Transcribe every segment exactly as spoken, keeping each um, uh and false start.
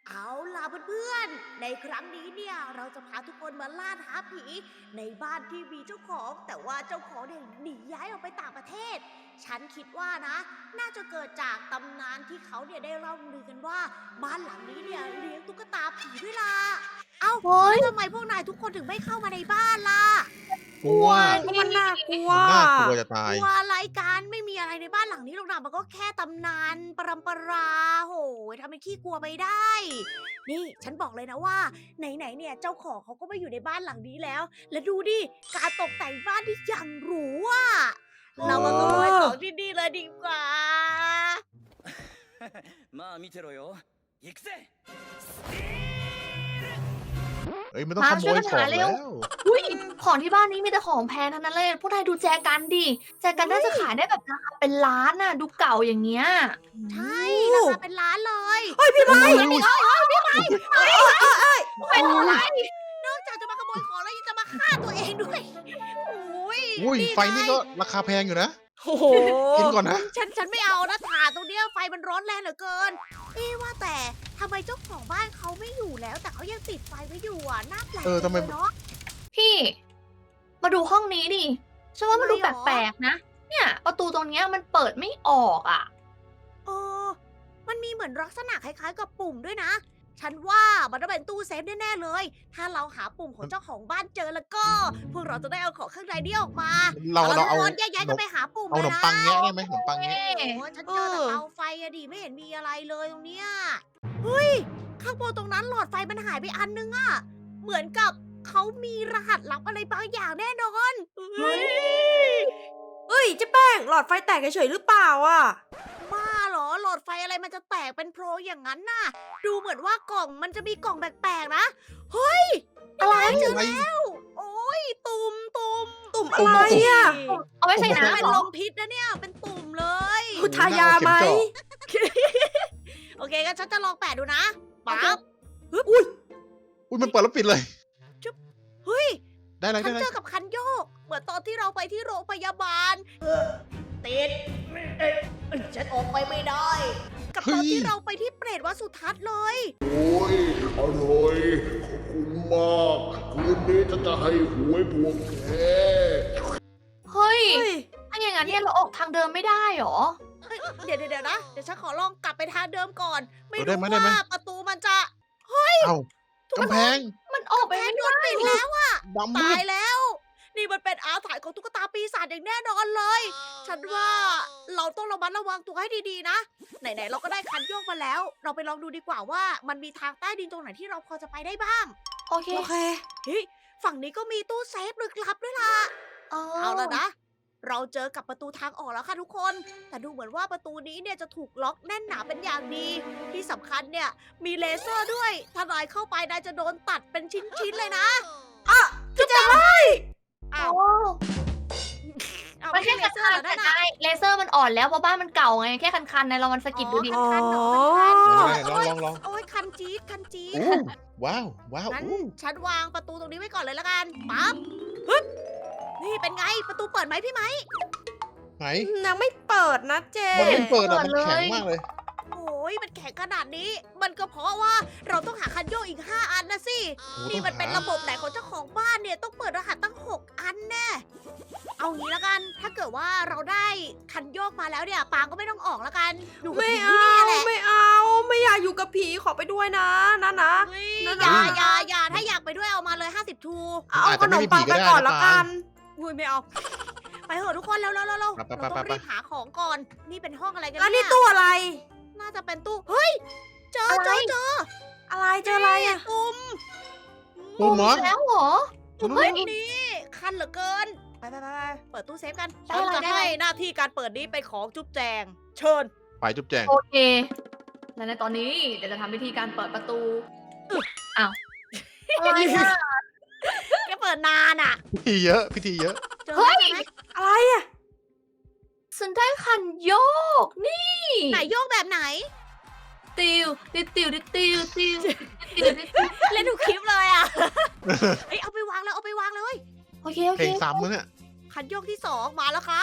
เอาล่ะเพื่อนๆ ในครั้งนี้เนี่ยเราจะพาทุกคนมาล่าท้าผีในบ้านที่มีเจ้าของ แต่ว่าเจ้าของเนี่ยหนีย้ายออกไปต่างประเทศ ฉันคิดว่านะ น่าจะเกิดจากตำนานที่เขาเนี่ยได้เล่าลือกันว่าบ้านหลังนี้เนี่ยเลี้ยงตุ๊กตาผีด้วยล่ะ เอ้าเฮ้ยแล้วทำไมพวกนายทุกคนถึงไม่เข้ามาในบ้านล่ะกลัวก็มันน่ากลัวมันน่ากลัวจะตายกลัวอะไรกันไม่มีอะไรในบ้านหลังนี้หรอกนะมันก็แค่ตำนานปรำปราโหยทำเป็นขี้กลัวไปได้ นี่ฉันบอกเลยนะว่าไหนๆเนี่ยเจ้าของเขาก็มาอยู่ในบ้านหลังนี้แล้ว และดูดิการตกแต่งบ้านที่อย่างหรูอ่ะเรามาขโมยของที่นี่เลยดีกว่าまあ見てろよ行くぜเอ้ยมันต้องมาขโมช่วยยกันขอหาง เร็แล้ว วอุ้ยของที่บ้านนี้มีแต่ของแพงทั้งนั้นเลย พวกนายดูแจกันดิ แจกันน่าจะขายได้แบบราคาเป็นล้านน่ะ ดูเก่าอย่างเงี้ยใช่ราคาเป็นล้านเลยเฮ้ยพี่ไม้เป็นอะไรนอกจากจะมาขโมยของแล้วยังจะมาฆ่าตัวเองด้วยโอ้ยอุ้ยนี่ไฟนี่ก็ราคาแพงอยู่นะโอ้โหกินก่อนนะฉันฉันไม่เอานะถ่านตรงเนี้ยไฟมันร้อนแรงเหลือเกินเอ๊ะว่าแต่ทำไมเจ้าของบ้านเขาไม่อยู่แล้ว แต่เขายังติดไฟไว้อยู่อ่ะน่าแปลกเออทำไมจังเลยเนาะพี่ มาดูห้องนี้ดิฉันว่ามันดูทำไมหรอแปลกๆนะ เนี่ย ประตูตรงเนี้ยมันเปิดไม่ออกอ่ะเออมันมีเหมือนลักษณะคล้ายๆกับปุ่มด้วยนะ ฉันว่ามันต้องเป็นตู้เซฟแน่ๆเลย ถ้าเราหาปุ่มของเจ้าของบ้านเจอแล้วก็ พวกเราจะได้เอาของข้างในนี้ออกมาเราเราเอาทุกคนแยกย้ายกันไปหาปุ่มเอาขเลนยมนะปังแงะได้ไหมขนมปังแงะโอ้โหฉันเจอแต่เตาไฟอะดิไม่เห็นมีอะไรเลยตรงเนี้ยเฮ้ย ข้างบนตรงนั้นหลอดไฟมันหายไปอันนึงอะเหมือนกับเขามีรหัสลับอะไรบางอย่างแน่นอนเฮ้ยเอ้ยเจ๊แป้งหลอดไฟแตกเฉยๆหรือเปล่าอ่ะบ้าเหรอหลอดไฟอะไรมันจะแตกเป็นโพรงอย่างนั้นน่ะ ดูเหมือนว่ากล่องมันจะมีกล่องแปลกๆนะ เฮ้ยอะไรเจอแล้ว โอ้ยตุ่มตุ่มตุ่มอะไรอ่ะเอาไว้ใส่เป็นน้ำเหรลอมพิษนะเนี่ย เป็นตุ่มเลยคุณทายาไหมโอเคงั้นฉันจะลองแปะดูนะปั๊บอุ้ยมันเปิดแล้วปิดเลยเฮ้ยได้เลยฉัได้นเลยเจอกับคันโยก เหมือนตอนที่เราไปที่โรงพยาบาลติดเอ๊ะฉันออกไปไม่ได้ กับตอนที่เราไปที่เปรตวัดสุทัศน์เลยโอ้ยอร่อย ขอบคุณมาก คืนนี้ฉันจะให้หวยพวกแกเฮ้ยเฮ้ยถ้าอย่างนั้นเนี่ยเราออกทางเดิมไม่ได้เหรอเฮ้ยเดี๋ยวเดี๋ยวนะ เดี๋ยวฉันขอลองกลับไปทางเดิมก่อน ไม่เออได้รู้ไหมได้ไหมว่าประตูมันจะเอ้ากำแพงมันออกไปแพงไม่โดได้นปิดแล้วอะดำมืตาดยแล้ว นี่มันเป็นอาถรรพ์ของตุ๊กตาปีศาจอย่างแน่นอนเลย ฉันว่าเราต้องระมัดระวังตัวให้ดีๆนะ ไหนๆเราก็ได้คันโยกมาแล้ว เราไปลองดูดีกว่าว่ามันมีทางใต้ดินตรงไหนที่เราพอจะไปได้บ้างโอเคโอเคเฮ้ย ฝั่งนี้ก็มีตู้เซฟลึกลับด้วยล่ะ เอาละนะ เราเจอกับประตูทางออกแล้วค่ะทุกคน แต่ดูเหมือนว่าประตูนี้เนี่ยจะถูกล็อกแน่นหนาเป็นอย่างดี ที่สำคัญเนี่ยมีเลเซอร์ด้วย ถ้านายเข้าไปนายจะโดนตัดเป็นชิ้นๆเลยนะอ่ะพี่แจ๊คอ้าวโอ้เอามันไม่แค่ใช่เลคัเซอร์เหรอนั่นน่ะนๆได้เลเซอร์มันอ่อนแล้วเพราะบ้านมันเก่าไง แค่คันๆในเรามันสะกิดดูดิอ๋อ คันๆเหรออ๋อคันๆลองลองลองโอ้ยคันจี๊ดคันจี๊ดอู้ว้าวว้าวงั้นอู้ฉันวางประตูตรงนี้ไว้ก่อนเลยละกัน ปั๊บฮึบนี่เป็นไง ประตูเปิดไหมพี่ไหมไหนยังไม่เปิดนะเจ๊มันไม่เปิดอ่ะเปิมันดเลยแข็งมากเลยโอ้ยมันแข็งขนาดนี้ มันก็เพราะว่าเราต้องหาคันโยกอีกห้าอันนะสิโอ้นี่ต้องมันเป็นหาระบบไหนของเจ้าของบ้านเนี่ย ต้องเปิดรหัสตั้งหกอันแน่ เอางี้ละกัน ถ้าเกิดว่าเราได้คันโยกมาแล้วเนี่ย ปางก็ไม่ต้องออกละกันอยู่กับไม่ผีเอาที่นี่แหละไม่เอา ไม่อยากอยู่กับผีขอไปด้วยนะนะนะเฮ้ยนั่นอย่าน่ะอย่าอย่าถ้าอยากไปด้วยเอามาเลยห้าสิบทูเอาขนมปังไปก่อนละกันอุ้ยไม่เอา ไปเถอะทุกคนเร็วเร็วเร็วเร็วไปเราไปต้องไปรีบหาของก่อน นี่เป็นห้องอะไรกันแล้วเนี่นี่ยตู้อะไรน่าจะเป็นตู้ เฮ้ย เจอเจอเจออะไรเจออะไรอ่ะตุ่มตู้หมอแล้วเหรอตู้เฮ้ยนี่คันเหลือเกิน ไปไปไปไปเปิดตู้เซฟกันได้ฉันเลยจะได้ให้เลยหน้าที่การเปิดนี้เป็นของจุ๊บแจง เชิญไปจุ๊บแจงโอเค และในตอนนี้เดี๋ยวจะทำวิธีการเปิดประตูอ้าวอะไรอ่ะแกเปิดนานอ่ะพิธีเยอะพิธีเยอะเจอเฮ้ยไหมอะไรอ่ะฉันได้คันโยก นี่ไหนโยกแบบไหนติวติวติวติวติวติวติวติวเล่นทุกคลิปเลยอ่ะ เฮ้ยเอาไปวางแล้วเอาไปวางเลยโอเคโอเพเคลงซ้ำมั้งเนี่ยคันโยกที่สองมาแล้วครับ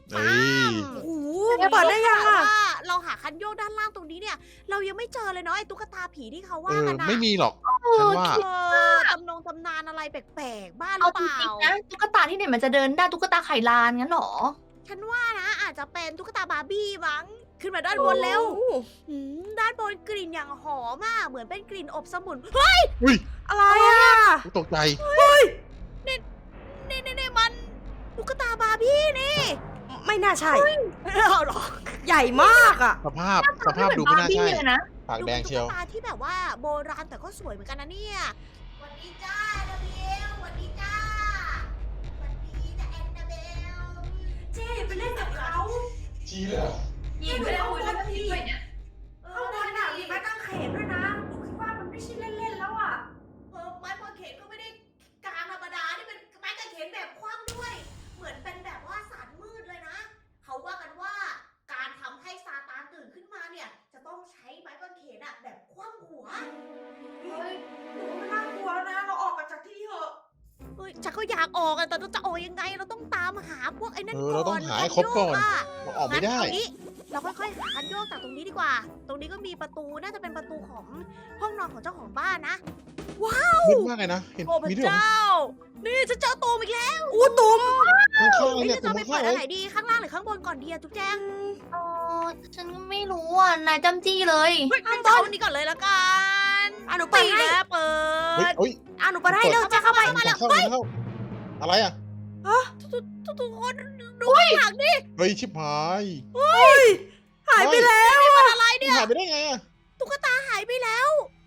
เฮ้ยโอ้โหแต่เปิดได้ยังแต่อะว่าเราหาคันโยกด้านล่างตรงนี้เนี่ย เรายังไม่เจอเลยเนาะไอ้ตุ๊กตาผีที่เขาเอว่าอกันนะไม่มีหรอกเอฉันอว่าเออตำนงตำนานอะไรแปลกๆ บ้านหเอารือจเปล่าริงๆนะตุ๊กตาที่ไหนมันจะเดินได้ตุ๊กตาไข่ลานงั้นเหรอฉันว่านะอาจจะเป็นตุ๊กตาบาร์บี้มั้ง ขึ้นมาด้านบนเร็วโอ้โหหืมด้านบนกลิ่นอย่างหอมอ่ะเหมือนเป็นกลิ่นอบสมุนเฮ้ยอุ้ยอะไรอะตกใจนี่นี่นี่มันตุ๊กตาบาร์บี้นี่ไม่น่าใช่เอาเหรอใหญ่มากอะสภาพสภาพดูไม่น่าใช่เหมือนบาร์บี้เลยนะปากแดงเชียวดูเป็นตุ๊กตาที่แบบว่าโบราณแต่ก็สวยเหมือนกันนะเนี่ยสวัสดีจ้าแอนนาเบลสวัสดีจ้าสวัสดีจ้าแอนนาเบลเจ๊ไปเล่นกับเขาชี้เลยเหรอยิงไปแล้วคุยแล้วก็ทิ้งด้วยเนี่ยข้างบนน่ะมีไม้กางเขนด้วยนะหนูคิดว่ามันไม่ใช่เล่นๆแล้วอะเออไม้กางเขนก็ไม่ได้กางธรรมดานี่เป็นไม้กางเขนแบบคว่ำด้วย เหมือนเป็นแบบว่าสารมืดเลยนะ เขาว่ากันว่าการทำให้ซาตานตื่นขึ้นมาเนี่ย จะต้องใช้ไม้กางเขนอะแบบคว่ำหัวเฮ้ยหนูไม่น่ากลัวแล้วนะ เราออกกันจากที่นี่เถอะเฮ้ยฉันก็อยากออกอะแต่เราจะออกยังไง เราต้องตามหาพวกไอ้นั่นเอก่อนอเราต้องหาให้ครบก่อนคัโยะเราออกไม่ได้งั้นเอางี้เราค่อยๆหาคันโยกจากตรงนี้ดีกว่า ตรงนี้ก็มีประตูน่าจะเป็นประตูของห้องนอนของเจ้าของบ้านนะมืดมากเลยนะ เห็นโอ้พระมีด้วยเหรอเจ้า นี่ฉันเจอตูมอีกแล้วอู้ตุ่มข้างข้างเฮ้ยเนี่ยจะตรเอางไปข้าเปิดอันงเลยไหนดีข้างล่างหรือข้างบนก่อนดีอะจุ๊บแจงเออฉันก็ไม่รู้อ่ะ นายจำจี้เลยเฮ้ยข้างบนนี้ก่อนเลยละกันอ่ะหนูเปิดตีให้แล้วเปิเฮ้ยดเฮ้ยอ่ะหนูเปิดให้เร็วจะเข้าไปเข้าเข้าเข้าอะไรอ่ะทุกคนดูข้างหลังดิเฮ้ยชิบหายหายไปแล้วนี่มันอะไรนี่เนี่ยหายไปได้ไงอ่ะตุ๊กตาหายไปแล้ว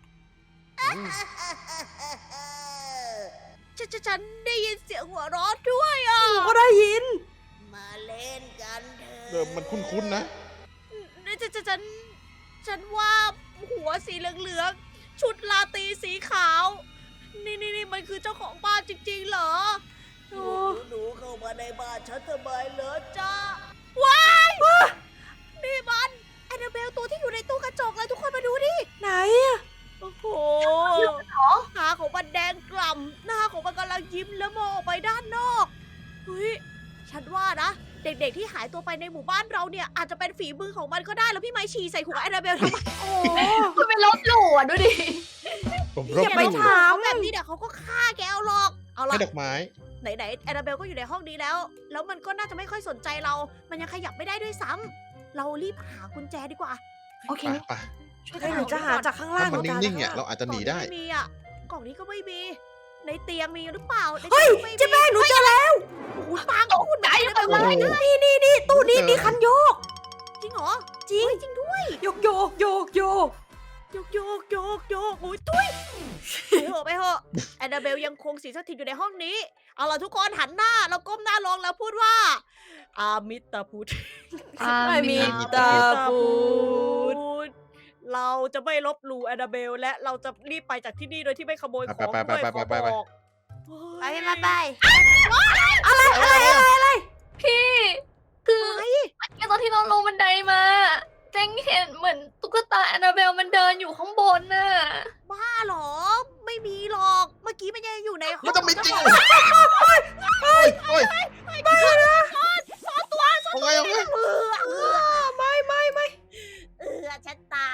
ฉันฉันฉันได้ยินเสียงหัวเราะด้วยอ่ะหนูก็ได้ยินมาเล่นกันเถอะเดิมมันคุ้นๆนะนี่ฉันฉันฉันฉันว่าหัวสีเหลืองๆ ชุดลาตรีสีขาว นี่นี่นี่มันคือเจ้าของบ้านจริงๆเหรอโอ้หนูเข้ามาในบ้านฉันทำไมเหรอจ้าว้ายนี่มันแอนนาเบลตัวที่อยู่ในตู้กระจกเลยทุกคนมาดูดิไหนอะโอ้โหตาของมันแดงกล่ำหน้าของมันกำลังยิ้มแล้วมองออกไปด้านนอกเฮ้ยฉันว่านะ เด็กๆที่หายตัวไปในหมู่บ้านเราเนี่ยอาจจะเป็นฝีมือของมันก็ได้แล้วพี่ไม้ฉี่ใส่หัวแอนนาเบลทำไมโอ้คุณไปลบหลู่อ่ะดูดิผมรบอย่าหไปลู่ถามเขาแบบนี้เดี๋ยวเขาก็ฆ่าแกเอาหรอกเอาให้ล่ะดอกไม้ไหนๆแอนนาเบลก็อยู่ในห้องนี้แล้ว แล้วมันก็น่าจะไม่ค่อยสนใจเรา มันยังขยับไม่ได้ด้วยซ้ำเรารีบหากุญแจดีกว่าโอเคไปไปช่วยกัเฮ้นยหนูจะหาจากข้างล่าถ้าง มันหจะนิ่งๆเนี่ยหเราอาจจะหนีได้กล่องไม่มีอ่ะกล่องนี้ก็ไม่มี ในเตียงมีหรือเปล่าในเฮ้ยตู้ไม่มีเจ๊แป้งหนูเจอแล้วโอ้โหปางคุณไหนไปโอ้โหนี่นี่นี่ตู้นี้มีคันโยกจริงเหรอจริงจริงด้วยโยกโยกโยกโยกโยกโยกโยกโยกโอ้ยตุ้ยไปเถอะไปเถอะแอนนาเบลยังคงสิงสถิตอยู่ในห้องนี้ เอาล่ะทุกคนหันหน้าแล้วก้มหน้าลงแล้วพูดว่า อามิตาพุทธไม่มีมีตาตาปูดดเราจะไม่ลบหลู่แอนนาเบล และเราจะรีบไปจากที่นี่โดยที่ไม่ขโมยของไปไปด้วยไปขอไปไปบอกไปมาไปอะไรอะไรพี่ คือเมื่อกี้ตอนที่เราลงบันไดมาแจงเห็นเหมือนตุ๊กตาแอนนาเบลมันเดินอยู่ข้างบนน่ะบ้าเหรอ ไม่มีหรอก เมื่อกี้มันยังอยู่ในห้องมันจะไม่จริงขอเฮ้ยเฮ้ยไม่นะสอนตัวสอนเอาไงเอาไงเออเออไม่ไม่ไม่เออฉันตาย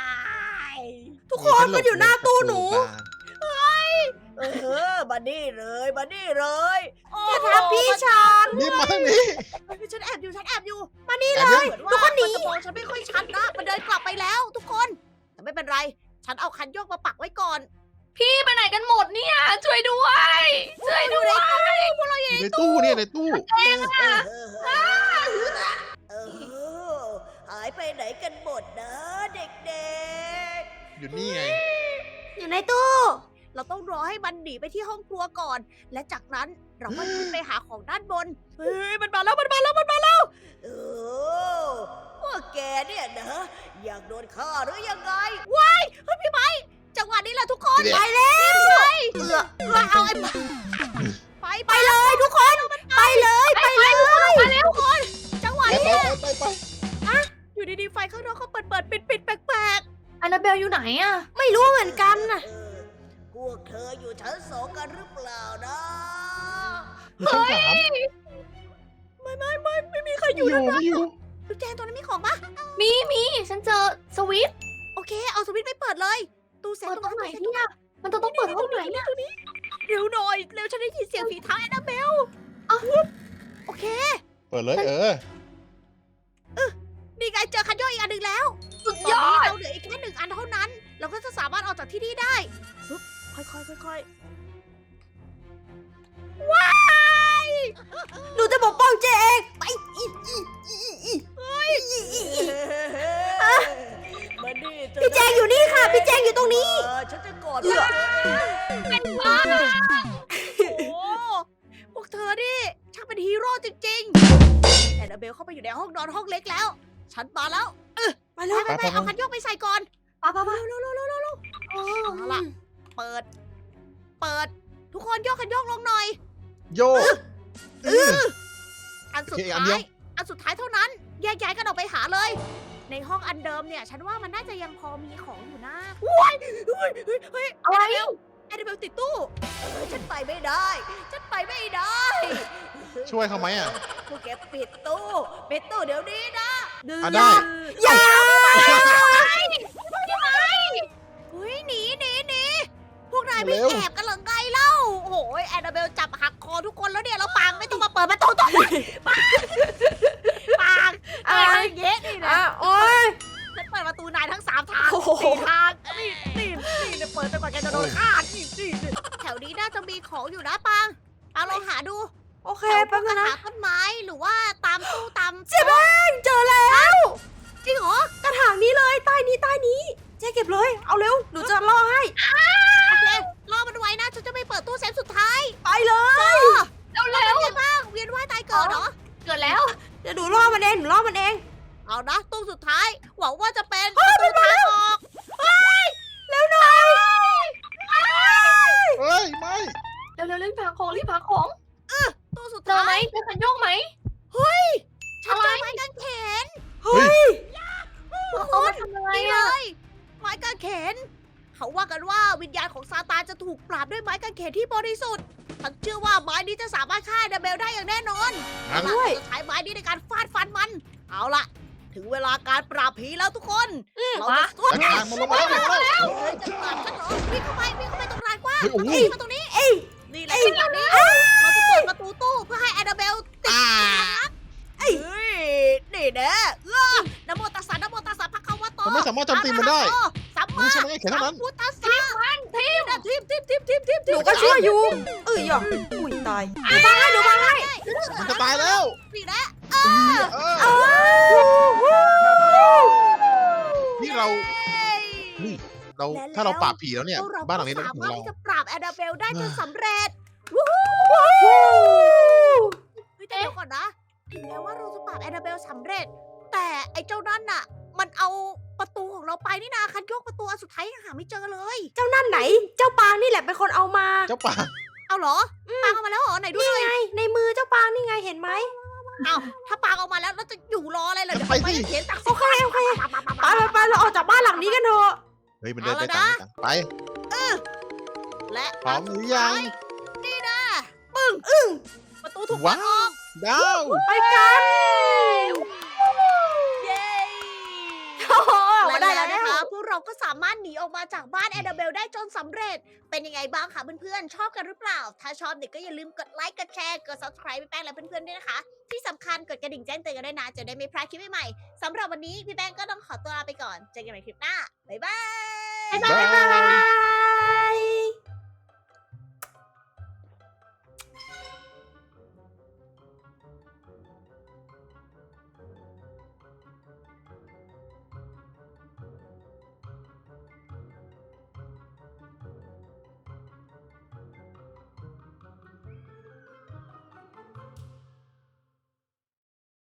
ทุกคนมันอยู่หน้าตู้หนูเออมานี่เลยมานี่เลยอย่าทำพี่ฉันนี่มาทางนี้เฮ้ยฉันแอบอยู่ฉันแอบอยู่มานี่แอเลบยยังทุกคนหนีมันจะมองฉันไม่ค่อยชัดนะมันเดินกลับไปแล้วทุกคน แต่ไม่เป็นไร ฉันเอาคันโยกมาปักไว้ก่อนพี่ไปไหนกันหมดเนี่ย ช่วยด้วย ช่วยด้วยอยู่ในตู้เนี่ยในตู้เออเออหายไปไหนกันหมดนะเด็กอยู่นี่ไงอยู่ในตู้ๆ เราต้องรอให้มันหนีไปที่ห้องครัวก่อน และจากนั้นเราก็ขึ้นไปหาของด้านบน เฮ้ยมันมาแล้วมันมาแล้วมันมาแล้วเออพวกแกเนี่ยนะอยากโดนฆ่าหรือยังไงว้ายเฮ้ยพี่ไม้จังหวะนี้แหละทุกคนเดี๋ยวไปแล้วเออเอาไอ้ไปไปเลยทุกคนไปเลยไปเลยไปเลยทุกคนจังหวะไปนี้ไปไปไปอยู่ดีๆไฟข้างนอกเขาเปิดเปิดปิดปิดแปลกแอนนาเบลอยู่ไหนอ่ะไม่รู้เหมือนกันน่ะๆพวกเธออยู่ชั้นสองกันหรือเปล่านะอยู่ชั้นสามไม่ไม่ไม่ไม่มีใครออยู่ ยู่นะไม่อยู่จุ๊บแจงตัวนั้นมีของปะมีมีฉันเจอสวิตช์โอเค เอาสวิตช์ไปเปิดเลย ตู้เซฟเปิดตรงไหนตู้เซฟเนี่ยมันจะต้องเปิดห้องไหนเนี่ยเร็วหน่อย เร็วฉันได้ยินเสียงฝีเท้าแอนนาเบลอ้าวโอเคเปิดเลยเออนี่ไงเจอคันโยกอีกอันหนึ่งแล้วสุดตอนยอนี้ดเราเหลืออีกแค่หนึ่งอันเท่านั้น เราก็จะสามารถออกจากที่นี่ได้ฮึบค่อยๆค่อยๆว้ายหนูจะปกป้องเจเองไปอีอีอีอีเฮ้ยพี่แจงอยู่นี่ค่ะ พี่แจงอยู่ตรงนี้ฉันจะกอดเธอเป็นบ้าโอ้พวกเธอนี่ช่างเป็นฮีโร่จริงๆแอนนาเบลเข้าไปอยู่ในห้องนอนห้องเล็กแล้ว ฉันมาแล้ว เออไปเลยไปไปเอาคันโยกไปใส่ก่อนปะปะปะเร็วเร็วเร็วเร็วเร็วเอาล่ะ เปิด เปิด ทุกคนโยกคันโยกลงหน่อยโยกเอออันสุดโอเคอันท้าเดียยวอันสุดท้ายเท่านั้น แยกย้ายกันออกไปหาเลย ในห้องอันเดิมเนี่ย ฉันว่ามันน่าจะยังพอมีของอยู่นะว้ายเฮ้ยเฮ้ยเฮ้ยอะไรแอนนาเบลติดตู้เออฉันไปไม่ได้ ฉันไปไม่ได้ช่วยเขาไหมอ่ะพวกแกปิดตู้ปิดตู้เดี๋ยวนี้นะอ่ะได้อย่าเฮ้ยหนีหนีหนีพวกนายไม่เร็วแอบกันเหรือไงเล่า โอ้โหแอนนาเบลจับหักคอทุกคนแล้วเนี่ยแล้วปางไม่ต้องมาเปิดประตูตรงนี้ปางปางเอะไรเงี้ยนี่นะอ่ะโอ๊ยฉันเปิดประตูนายทั้งสามทางโอ้โหสี่ทางนี่นี่นี่เนี่ยเปิดจนกว่าแกจะโดนฆ่านี่นี่นี่แถวนี้น่าจะมีของอยู่นะปางปางลองหาดูโอเคแถวพแป๊วบกกนึระงนะถางต้นไม้หรือว่าตามตู้ตามเจ๊แป้งเจอแล้วจริงเหรอกระถางนี้เลยใต้นี้ใต้นี้ เจ๊เก็บเลย เอาเร็ว หนูจะล่อให้โอเครอมันไว้นะฉันจะไปเปิดตู้เซฟสุดท้ายไปเลยเร็วเป็นเร็วไงบ้างเวียนว่ายตายเกิดเหรอเกิดแล้วเดี๋ยวหนูล่อมันเอง หนูล่อมันเองเอานะตู้สุดท้าย หวังว่าจะเป็นประตูทางออกเร็วหน่อยเฮ้ยไม่เร็วเร็วรีบหาของรีบหาของตู้สุดเจอท้าไหมยเจอคันโยกไหมฉันเจอไม้กางเขนเฮ้ยทุกคเอามาน ทำอะไรนี่เลอ่ะยไม้กางเขน เขาว่ากันว่าวิญญาณของซาตานจะถูกปราบด้วยไม้กางเขนที่บริสุทธิ์ฉันเชื่อว่าไม้นี้จะสามารถฆ่าแอนนาเบลได้อย่างแน่นอนงั้นเราจะใช้ไม้นี้ในการฟาดฟันมัน เอาล่ะ ถึงเวลาการปราบผีแล้วทุกคนเราจะสู้ทางมันลงมาแล้วลงมาแล้วเฮ้ยจะปราบฉันเหรอวิ่งเข้าไปวิ่งเข้าไปตรงลานกว้างเฮ้ยโอ้โหวิ่งมาตรงนี้เอ้ยนี่แหละจังหวะนี้เราจะเปิดประตูตู้เพื่อให้แอนนาเบลติดอ่าเฮ้ยนี่แน่เออนะโมตัสสะนะโมตัสสะพระคาวะโตมันไม่สามารถโจมตีมันได้สัมมัมานใช่ไหมแค่เท่านั้นพุทธัสสะทีมทีมทีมทีมทีมทีมหนูก็ช่วยอยู่ เอ้ยหยอกอุ้ยตาย หนูบังให้ หนูบังให้มันจะตายแล้วนี่แหละเออเอ้ยนี่เรา นี่เราและแล้วถ้าเราปราบผีแล้วเนี่ยพวกเราบ้านหลังนี้ก็เป็นสาของมารถเราที่จะปราบแอนนาเบลได้จนอ่าสำเร็จเฮ้ยแต่เดี๋ยวก่อนนะ ถึงแม้ว่าเราจะปราบแอนนาเบลสำเร็จ แต่ไอ้เจ้านั่นน่ะ มันเอาประตูของเราไปนี่นาคันโยกประตูอันสุดท้ายยังหาไม่เจอเลยเจ้านั่นไหน เจ้าปางนี่แหละเป็นคนเอามาเจ้าป่าเอาเหรอปางเอามาแล้วเหรอไหนดูนี่หน่อยไง ในมือเจ้าปางนี่ไงเห็นไหมเอาถ้าปางเอามาแล้วเราจะอยู่รออะไรเหรอเดี๋ยวไปไปสิเขียนตักโอเคโอเคไปไปไปเราออกจากบ้านหลังนี้กันเถอะเฮ้ยมันเดินได้ตามกันไปและพร้อมหรือยังนี่นะปึ้งอึ้งประตูถูกเปิว้าดออกวดาวไปกันเย้โอ้โหออกและมาได้แล้วแล้วนะคะพวกเราก็สามารถหนีออกมาจากบ้านแอนนาเบลได้จนสำเร็จ เป็นยังไงบ้างคะเพื่อนๆ ชอบกันหรือเปล่า ถ้าชอบเด็กก็อย่าลืมกดไลค์ กดแชร์ กด subscribe พี่แป้งและเพื่อนๆด้วยนะคะ ที่สำคัญกดกระดิ่งแจ้งเตือนกันด้วยนะ จะได้ไม่พลาดคลิปใหม่ๆสำหรับวันนี้พี่แป้งก็ต้องขอตัวลาไปก่อน เจอกันใหม่คลิปหน้า บ๊ายบายบาย